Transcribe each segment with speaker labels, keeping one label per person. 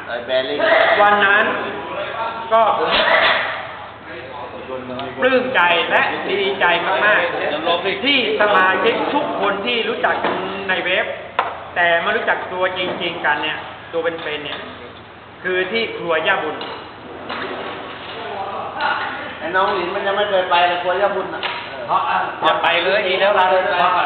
Speaker 1: วันนั้นก็ผมปลื้มใจและดีใจมากๆที่สมาชิกทุกคนที่รู้จักกันในเว็บแต่มารู้จักตัวจริงๆกันเนี่ยตัวเป็นๆเนี่ยคือที่ครัวย่าบุญ
Speaker 2: ไอ้น้องหลินมันยังไม่เคยไปเลยครัวย่าบุญอ่ะ
Speaker 1: อย่าไปเลยดีแล้วเรา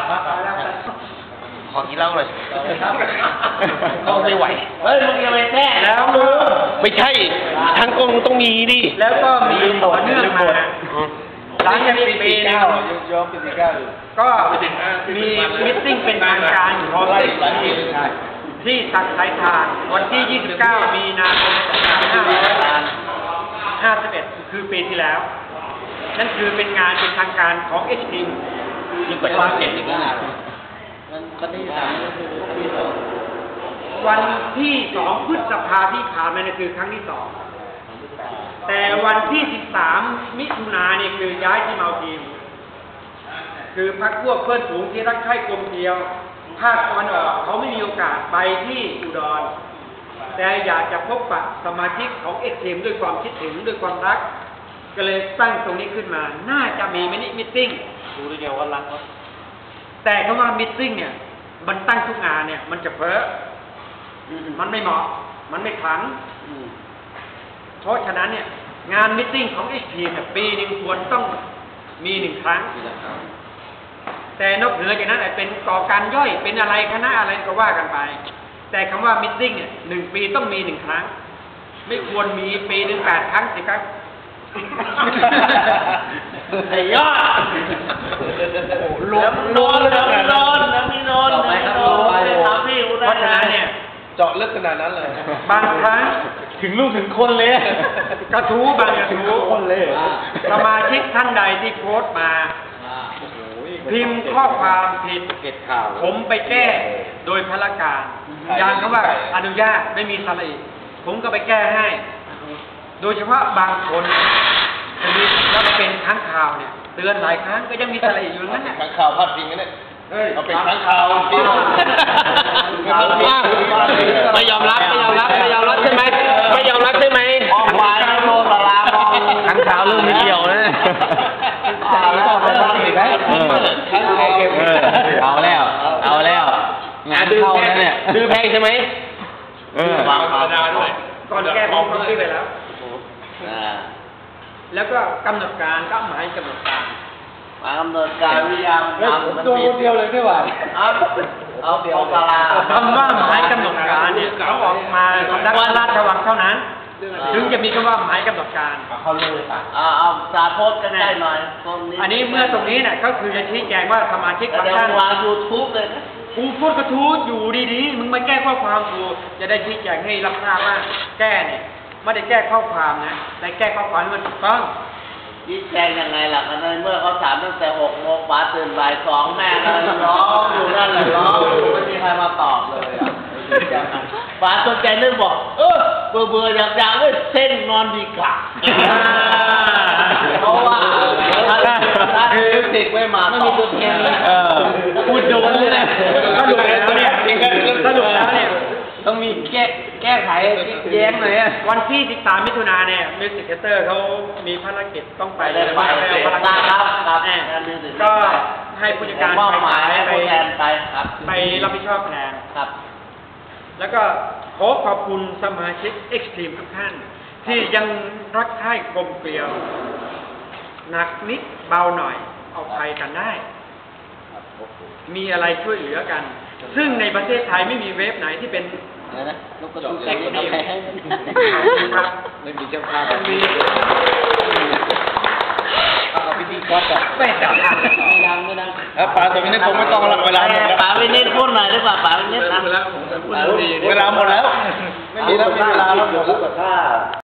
Speaker 3: ขอกินเหล้าเลยต้องไม่ไหว
Speaker 2: เฮ้ยมึงยังไม่แท้
Speaker 1: แล้ว
Speaker 3: ไม่ใช่ทางกงต้องมีดิ
Speaker 1: แล้วก็มีต่อเนื่องมาหลังจากปีนึงก็มีมิทติ้งเป็นทางการของที่สักสายทานวันที่ 29 มีนาคม 2551 คือปีที่แล้วนั่นคือเป็นงานเป็นทางการของ HT
Speaker 3: ยิ่งกว่าช่อง7อีกแล้ว
Speaker 2: วันที่3ก็คือปี2
Speaker 1: วันที่2 พฤษภาที่ผ่านมาเนี่ยคือครั้งที่2แต่วันที่13 มิถุนายนเนี่ยคือย้ายที่เมาทีมคือพรรคพวกเพื่อนฝูงที่รักใคร่กลมเกลียวภาคตะวันออกเขาไม่มีโอกาสไปที่อุดรแต่อยากจะพบปะสมาชิกของเอ็กซ์ทีมด้วยความคิดถึงด้วยความรักก็เลยตั้งตรงนี้ขึ้นมาน่าจะมีมินิมิทติ้ง
Speaker 2: ดูได้เดียวว่ารักเขา
Speaker 1: แต่คำว่ามิทติ้งเนี่ยมันตั้งทุกงานเนี่ยมันจะเพ้อมันไม่เหมาะมันไม่ขังเพราะฉะนั้นเนี่ยงานมิทติ้งของเอ็กซ์ทีมเนี่ยปีนึงควรต้องมี1 ครั้งแต่นอกเหนือจากนั้นเป็นก่อการย่อยเป็นอะไรคณะอะไรก็ว่ากันไปแต่คำว่ามิทติ้งเนี่ย1 ปีต้องมี1 ครั้งไม่ควรมีปีนึง8 ครั้ง10 ครั้ง
Speaker 2: ไอ้ยอดนอน
Speaker 1: เพราะฉะนั้นเนี่ย
Speaker 3: เจาะลึกขนาดนั้นเลย
Speaker 1: บางครั้ง
Speaker 3: ถึงลูกถึงคนเลย
Speaker 1: กระทู้บางกระทู้
Speaker 3: คนเลย
Speaker 1: สมาชิกท่านใดที่โพสต์มาพิมพ์ข้อความผิดผมไปแก้โดยพละการอย่างคำว่าอนุญาตไม่มีสระอีผมก็ไปแก้ให้โดยเฉพาะบางคนจะมีแล้วเป็นค้างข่าวเนี่ยเตือนหลายครั้งก็ยังมีสระอีอยู่นั้นเนี่ย
Speaker 3: ค้างข่าวพลาดจริงนะเนี่ยเอาเป็นค้างข่าว
Speaker 1: ไม่ยอมรับใช่ไหมไม่ยอมรับใช่ไหม
Speaker 2: ออกมาโดนตลาด
Speaker 1: ค้างข่าวเรื่องไม่เกี่ยวนะ
Speaker 3: เอาแล้วงานเข้าแล้วเนี่ยซื้อแพงใช่ไหม
Speaker 2: วางธรรมดาด้วย
Speaker 1: ก่อนแก้ผมซื้อไปแล้วแล้วก็กำหนดการก็หมายกำหนดการ
Speaker 2: กำหนดการวิทยา
Speaker 1: มันตัวเดียวเลยไม่ไหว
Speaker 2: เอาเดี๋ยวตลาด
Speaker 1: คำว่าหมายกำหนดการเนี่ยเขาออกมาสำนักราชวังเท่านั้นถึงจะมีคำว่าหมายกำหนดการ
Speaker 2: เขาเลยเอาสาโพสกันได้หน่อย
Speaker 1: อันนี้เมื่อตรงนี้เนี่ยก็คือจะชี้แจงว่าสมาชิกบางท่าน
Speaker 2: วาง YouTube เลยนะ
Speaker 1: กูพูดกระทู้อยู่ดีๆมึงมาแก้ข้อความกูจะได้ชี้แจงให้รับทราบว่าแก้เนี่ยไม่ได้แก้ข้อความนะแต่แก้ข้อความให้มันถูกต้อง
Speaker 2: ชี้แจงยังไงล่ะกันเมื่อเขาถามตั้งแต่6 โมงป๋าตื่นบ่าย 2แม่ก็ร้องอยู่นั่นแหละร้องไม่มีใครมาตอบเลยป๋าสนใจเรื่องบอกเบื่ออยากเลยเส้นนอนดีกว่าเพราะว่าติดไม่มาไม่มีตัวเทียน
Speaker 1: พูดโดนเลยนะถ้าหลุดแล้วเนี่ยต้องมีแก้ไขแย้งหน่อยวันที่13 มิถุนายนเนี่ยมิวสิกเตอร์เขามีภารกิจต้องไป
Speaker 2: เลยไปครับ
Speaker 1: ก็ให้ผู้จัดการไปรับผิดชอบแทน
Speaker 2: ครับ
Speaker 1: แล้วก็ขอบคุณสมาชิก Extreme ทุกท่านที่ยังรักใคร่กลมเกลียวหนักนิดเบาหน่อยเอาภัยกันได้มีอะไรช่วยเหลือกันซึ่งในประเทศไทยไม่มีเว็บไหนที่เป็น
Speaker 2: ลูกกระตุ้นเอ็กซ์ตรีม
Speaker 3: ไม่มีเจ้าภาพมีเอาพิธีกรแบบ
Speaker 1: ไม่ดัง
Speaker 3: ป๋าตัวนี้ผมไม่ต้องละเวลาหมดแล้ว
Speaker 2: ป๋าไปเน้นพูดหน่อยดีกว่าป๋าไปเน้น
Speaker 3: เวลาหมดแล้วไม่มีแล้วเวลาแล้วหมดแล้ว